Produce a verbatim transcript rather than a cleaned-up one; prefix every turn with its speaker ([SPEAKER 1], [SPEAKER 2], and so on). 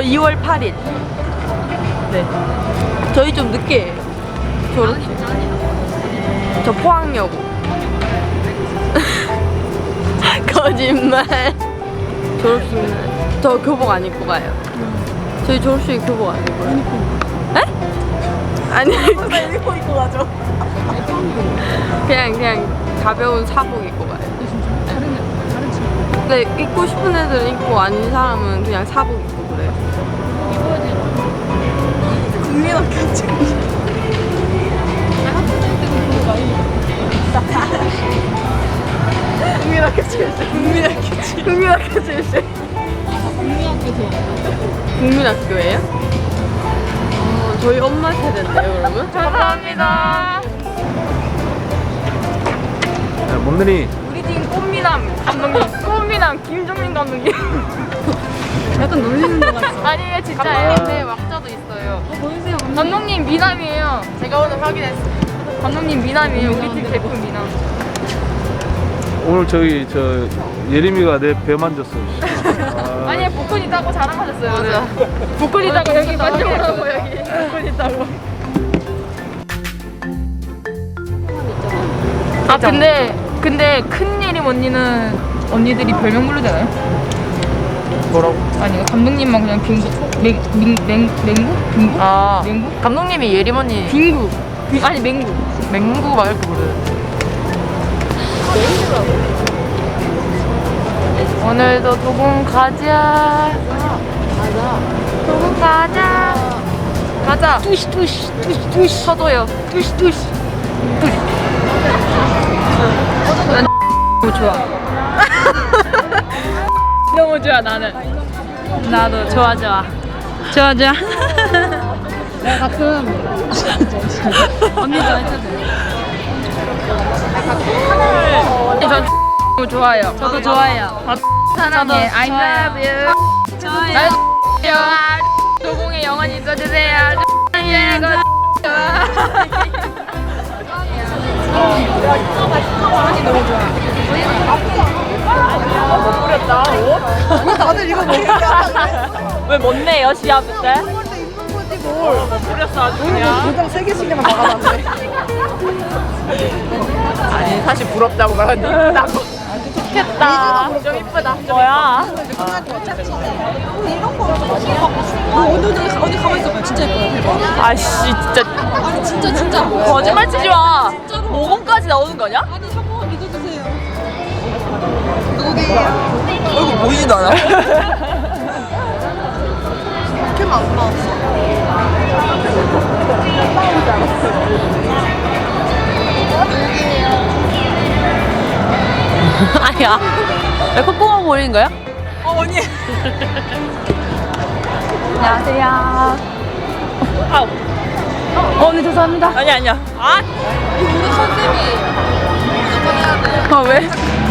[SPEAKER 1] 이월 팔일. 네. 저희 좀 늦게 해요. 졸업식. 저 포항여고. 거짓말. 졸업식은 저 교복 안 입고 가요. 저희 졸업식에 교복 안 입고 가요. 에? 아니
[SPEAKER 2] 유니폼 입고 가죠.
[SPEAKER 1] 그냥 그냥 가벼운 사복 입고 가요. 근데 입고 싶은 애들은 입고 아닌 사람은 그냥 사복 입고 그래요.
[SPEAKER 2] 국민학교 책. 국민학교 책. 국민학교 책.
[SPEAKER 1] 국민학교 출신. 국민학교예요? 어, 저희 엄마 세대인데요, 그러면? 감사합니다.
[SPEAKER 3] 야, 뭔들이
[SPEAKER 1] 우리 팀 꽃미남 감독님, 꽃미남 김종민 감독님.
[SPEAKER 2] 약간 놀리는 것 같아.
[SPEAKER 1] 아니에요, 진짜예요. 네, 왁자도 있어요.
[SPEAKER 2] 어, 보여주세요.
[SPEAKER 1] 감독님 미남이에요. 제가 오늘 확인했어요. 감독님 미남이에요. 우리 팀 제품 미남.
[SPEAKER 3] 오늘 저기 저 예림이가 내 배 만졌어. 아,
[SPEAKER 1] 아니 복근 있다고 자랑하셨어요. 맞아. 복근 있다고 여기 만져보라고 여기. 복근 있다고. 아 근데 근데 큰 예림 언니는 언니들이 별명 부르잖아요.
[SPEAKER 3] 뭐라고?
[SPEAKER 1] 아니 감독님만 그냥 빙구 맹맹맹 맹구 빙구?
[SPEAKER 4] 아
[SPEAKER 1] 맹구?
[SPEAKER 4] 감독님이 예림 언니
[SPEAKER 1] 빙구. 빙- 아니 맹구.
[SPEAKER 4] 맹구 막 이렇게 부르요. 오늘도 도봉 가자. 가자. 도봉 가자. 가자.
[SPEAKER 1] 투시 투시 투시 투시
[SPEAKER 4] 서도요.
[SPEAKER 1] 투시 투시 투시. 난 너무 좋아. 너무 좋아 나는. 나도 좋아 좋아. 좋아 좋아.
[SPEAKER 2] 내가 가끔
[SPEAKER 1] 언니도 해줘도 돼. 전 너무 좋아요.
[SPEAKER 2] 저도 좋아해요.
[SPEAKER 1] 사랑해. I
[SPEAKER 2] 좋아요.
[SPEAKER 1] love you.
[SPEAKER 2] 좋아요.
[SPEAKER 1] 나도 도공에 영원히 있어주세요. 사랑해.
[SPEAKER 2] 다들 이거 뭐 얘기한다고
[SPEAKER 1] 왜 못내요 시합 때?
[SPEAKER 2] 입는 거지 뭘.
[SPEAKER 1] 뿌렸어 아주
[SPEAKER 2] 우리 뭐 도장 세 개씩이나 막아놨네.
[SPEAKER 4] 아니 사실 부럽다고 말하는데 이쁘다고.
[SPEAKER 1] 좋겠다. 좀 이쁘다. 뭐야?
[SPEAKER 2] 이런 거 어디 어디 어디 가만 있어봐요. 진짜 예뻐요.
[SPEAKER 1] 아씨 진짜
[SPEAKER 2] 아니 진짜 진짜.
[SPEAKER 1] 거짓말 치지 마. 모공까지 나오는 거냐?
[SPEAKER 2] 아니 한번 믿어주세요. 누구게요?
[SPEAKER 4] 얼굴 보이지도 않아.
[SPEAKER 2] 캠 안 나왔어.
[SPEAKER 1] 아니야. 왜 콧구멍 보이는 거야?
[SPEAKER 2] 어 언니.
[SPEAKER 1] 안녕하세요. 아우. 어, 네 죄송합니다. 아니 아니야. 아
[SPEAKER 2] 우리 컨셉이 무조건 해야 돼.
[SPEAKER 1] 아 왜?